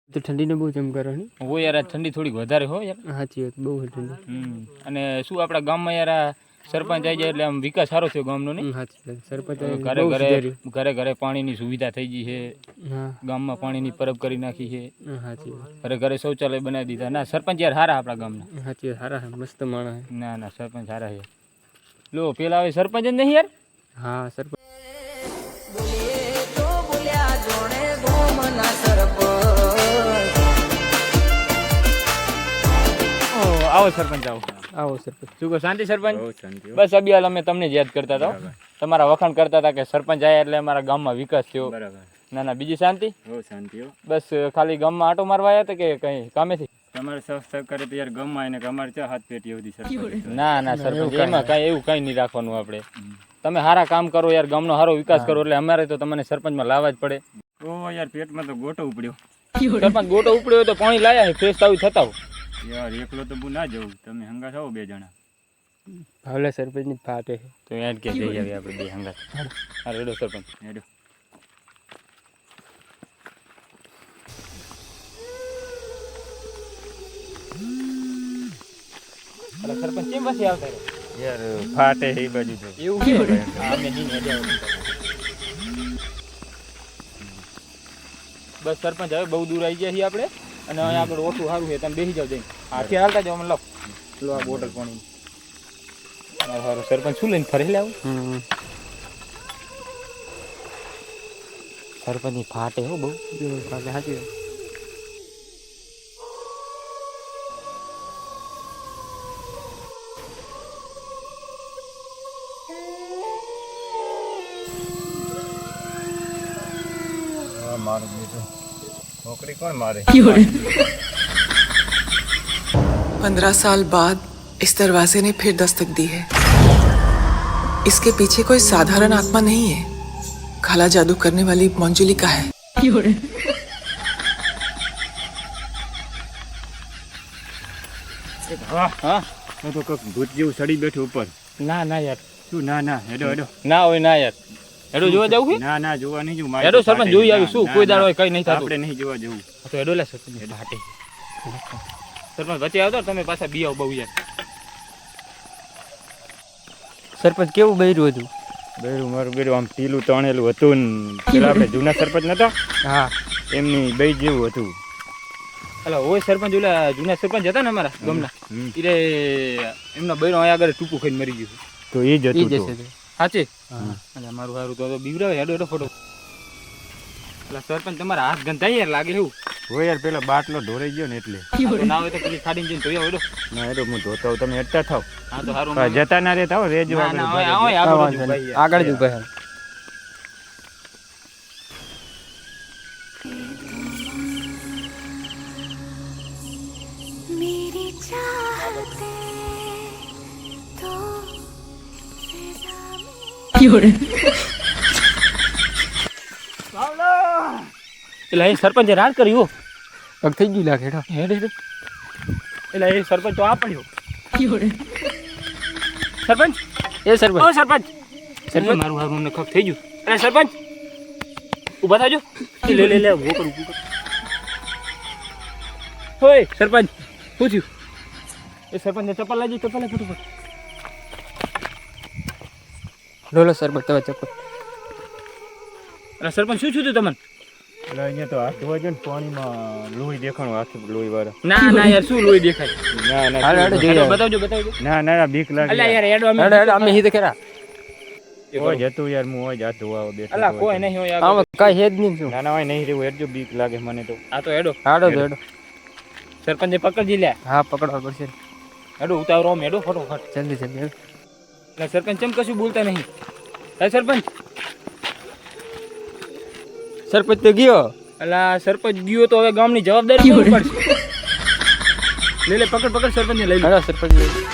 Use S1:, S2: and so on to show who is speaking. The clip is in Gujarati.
S1: તો ઠંડીને બહુ જમ કરવાની
S2: હો યાર, આ ઠંડી થોડીક વધારે હો યાર.
S1: સાચી વાત, બહુ ઠંડી.
S2: અને શું આપણા ગામમાં યાર આ સરપંચ આવી જાય એટલે આમ વિકાસ સારો થયો ગામનો નહીં.
S1: સાચી વાત, સરપંચ
S2: ઘરે ઘરે ઘરે ઘરે પાણીની સુવિધા થઈ ગઈ છે.
S1: હા,
S2: ગામમાં પાણીની પરબ કરી નાખી છે.
S1: સાચી વાત.
S2: ઘરે ઘરે શૌચાલય બનાવી દીધા. ના સરપંચ યાર સારા આપણા ગામના.
S1: સાચી વાત, સારા મસ્ત માણસ.
S2: ના ના, સરપંચ સારા છે. લો પેલા હવે સરપંચ જ નહીં યાર.
S1: હા, સરપંચ
S2: આવો સરપંચ આવો.
S1: આવો સરપંચ.
S2: શું કહો, શાંતિ સરપંચ? બસ અબિયાલ અમે તમને જ યાદ કરતા હતા. તમારા વખાણ કરતા હતા કે સરપંચ આવ્યા એટલે અમારા ગામમાં વિકાસ થયો. ના ના, બીજી શાંતિ? બસ ખાલી ગામમાં આટો મારવા આવ્યા હતા કે કઈ કામેથી?
S3: તમારે સહકારે તો યાર ગામમાં આવીને કે અમારે ત્યાં હાથ પેટી સુધી સરપંચ.
S2: ના ના સરપંચ, એમાં કાંઈ એવું કાંઈ નહીં રાખવાનું આપણે. તમે સારા કામ કરો યાર, ગામનો સારો વિકાસ કરો એટલે અમારે તો તમને સરપંચમાં લાવવા જ પડે.
S3: ઓ યાર પેટમાં તો ગોટો ઉપડ્યો.
S2: સરપંચ ગોટો ઉપડ્યો હોય તો પાણી લાયા છે, ફ્રેશ તાવી થતા હોય.
S3: યાર એકલો તો બુ ના જવું, તમે હંગા થાઓ 2 જણા.
S1: ભાવલા સરપંચની ફાટે છે.
S2: તો યાર કે જઈ આવી આપણે 2 હંગા. હા રેડો સરપંચ,
S3: હેડો.
S2: અલા સરપંચ કેમ પાછી આવતા રહે?
S3: યાર ફાટે એ બાજુ તો.
S2: એવું કે અમે નહીં હેડ્યા. બસ સરપંચ હવે બહુ દૂર આવી ગયા છીએ આપણે, અને અહીંયા આગળ ઓછું સારું છે, તમે બેસી જાવ જઈને. હાથે હાલતા જાવ, મને લો આ બોટલ પાણી. સારું સરપંચ શું લઈને ફરી લાવું? સરપંચની ફાટે હો બહુ ફાટે. સાચી વાત.
S3: મારું બેટું નોકરી કોણ મારે?
S4: 15 साल बाद इस दरवाजे ने फिर दस्तक दी है. इसके पीछे कोई साधारण आत्मा नहीं है. काला जादू करने वाली मंजुलिका है.
S2: હા
S3: તો કોક ભૂત જેવું સડી બેઠું ઉપર.
S2: ના ના યાર,
S3: શું ના ના? હેડો હેડો.
S2: ના હોય ના યાર. હેડો જોવા જવું છે?
S3: ના ના, જોવા નહીં જવું.
S2: હેડો સરપંચ જોઈ આવી. શું કોઈ દાડો કઈ નહીં થતું?
S3: આપણે નહીં જોવા જવું.
S2: તો હેડો લે સરપંચ. ફાટે સરપંચ વચ્ચે આવતો તમે પાછા બી આવ બહુ યાર.
S1: સરપંચ કેવું બૈરું હતું?
S3: બેરું મારું બેરું આમ પીલું તણેલું હતું ને પેલા આપણે જૂના સરપંચ નતા
S1: હા,
S3: એમની બે જેવું હતું.
S2: અલા ઓય સરપંચ, ઓલા જૂના સરપંચ હતા ને અમારા ગામના, ઈરે એમના બૈરો અહીંયા આગળ ટૂંકું ખાઈને મરી ગયું.
S3: તો એ જ હતું.
S2: સાચે? અને મારું સારું તો બીવરાવે. હેડો હેડો ફોટો. એટલે સરપંચ તમારા હાથ ગંધાઈ યાર લાગે એવું.
S3: હોય યાર, પેલા બાટલો ઢોરાઈ ગયો ને એટલે.
S2: ના હોય તો પેલી ખાડીને જઈને ધોઈ આવો. હેડો.
S3: ના હેડો, હું ધોતા હોઉં, તમે હેડતા થાવ.
S2: હા તો સારું.
S3: જતા ના રહેતા હો, રેજો
S2: ના ના, આગળ
S1: આગળ જ ઉભા.
S5: मेरी चाहते तो
S2: એટલે એ સરપંચે રાડ કર્યું.
S1: પગ થઈ ગયું લાગે.
S2: હેડ હેડ. એટલે એ સરપંચ તો આ પડ્યો. સરપંચ,
S1: એ સરપંચ.
S2: ઓ સરપંચ. સરપંચ મારું હારું અમને ખપ થઈ ગયું. અરે સરપંચ ઊભા થાજો. લે લે લે ઊભો કર, ઊભો કર. હોય સરપંચ, શું થયું? એ સરપંચને ચપ્પલ લાગી. ચપ્પલ લે ફટોફટ.
S1: લો સરપંચ તમે ચપ્પલ.
S2: અરે સરપંચ શું થયું તમને?
S3: એટલે અહીંયા તો હાથ ધોવા જો ને, પાણીમાં લોહી દેખાણું, હાથ લોહી વાળા.
S2: ના ના યાર, શું લોહી દેખાય?
S3: ના ના,
S2: બતાવજો બતાવજો.
S3: ના ના, બીક લાગે.
S2: અલ્યા યાર હેડો અમે.
S1: હેડો હેડો, અમે હીધે ખરા.
S3: હોય જતું યાર, હું હોય હાથ ધોવા બેઠો.
S2: અલા કોઈ નહીં હોય
S1: આમ કઈ હેદ નહીં. શું?
S3: ના ના, હોય નહીં રહેવું. હેડજો, બીક લાગે મને તો.
S2: આ તો હેડો.
S1: હાડો તો હેડો.
S2: સરપંચને પકડજી લે.
S1: હા, પકડવા પડશે.
S2: હેડો ઉતારો આમ. હેડો ફટોફટ.
S1: જલ્દી જલ્દી.
S2: એટલે સરપંચ કેમ કશું બોલતા નહીં? હે સરપંચ?
S1: સરપંચ તો ગયો.
S2: અલા સરપંચ ગયો તો હવે ગામની જવાબદારી કોણ પડશે? લે લે, પકડ પકડ સરપંચને લઈ લે.
S1: સરપંચ